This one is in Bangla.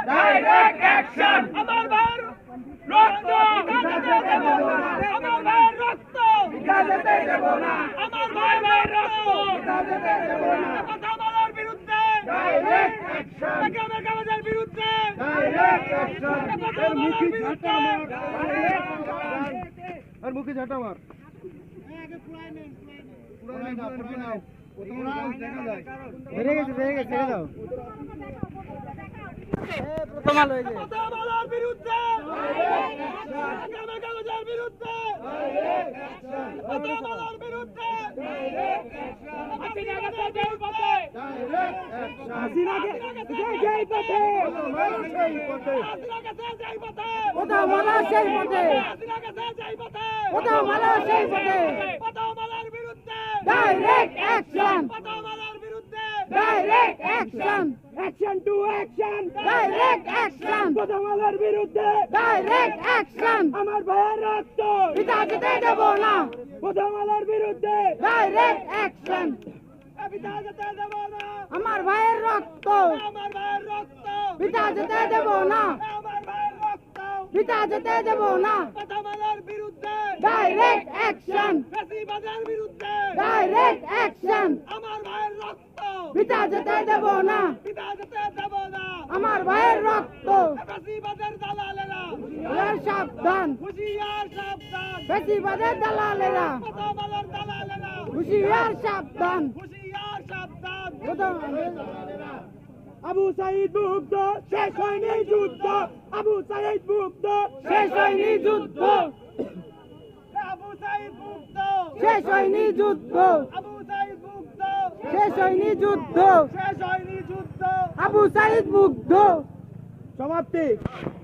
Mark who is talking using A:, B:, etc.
A: Direct action. আমার ভাইয়ের রক্ত ভিক্ষা দেব না। আমার ভাইয়ের রক্ত ভিক্ষা দেব না। আমার ভাইয়ের রক্ত ভিক্ষা দেব না। কথা বলার বিরুদ্ধে ডাইরেক্ট অ্যাকশন। বেকার বিরুদ্ধে ডাইরেক্ট অ্যাকশন। এর মুখে ঝাঁটা মার। আর মুখে ঝাঁটা মার। আগে পুরাই নেন। বেড়ে গেছে ছেড়ে দাও। প্রথম আলো হয়েছে কথার বিরুদ্ধে কাগজের বিরুদ্ধে কথার বিরুদ্ধে হাসিনাকে যেই পথে হাসিনাকে যেই পথে কথা বলা সেই পথে হাসিনাকে যেই পথে কথা বলা সেই পথে কথা বলার বিরুদ্ধে ডাইরেক্ট অ্যাকশন। কথা বলার বিরুদ্ধে direct action. Action to action. Direct action. কথা বলার বিরুদ্ধে ডাইরেক্ট অ্যাকশন। আমার ভাইয়ের রক্ত পিতা যেতে দেব না। কথা বলার বিরুদ্ধে ডাইরেক্ট অ্যাকশন। পিতা যেতে দেব না। আমার ভাইয়ের রক্ত আমার ভাইয়ের রক্ত পিতা যেতে দেব না। আমার ভাইয়ের রক্ত পিতা যেতে দেব না। কথা বলার বিরুদ্ধে ডাইরেক্ট অ্যাকশন। ফ্যাসিবাদের বিরুদ্ধে ডাইরেক্ট অ্যাকশন। আমার ভাইয়ের রক্ত পিতা যেতে দেব না। পিতা যেতে দেব না। আমার ভাইয়ের রক্ত ফ্যাসিবাদের দালালেরা হুঁশিয়ার সাবধান। হুঁশিয়ার সাবধান। ফ্যাসিবাদের দালালেরা কথা বলার দালালেরা হুঁশিয়ার সাবধান। হুঁশিয়ার সাবধান। আবু সাঈদ মুগ্ধ শেষ হয়নি যুদ্ধ। আবু সাঈদ মুগ্ধ শেষ হয়নি যুদ্ধ। আবু সাঈদ মুগ্ধ শেষ হয়নি যুদ্ধ। আবু সাঈদ মুগ্ধ শেষ হয়নি যুদ্ধ। শেষ হয়নি যুদ্ধ। আবু সাঈদ মুগ্ধ। সমাপ্তি।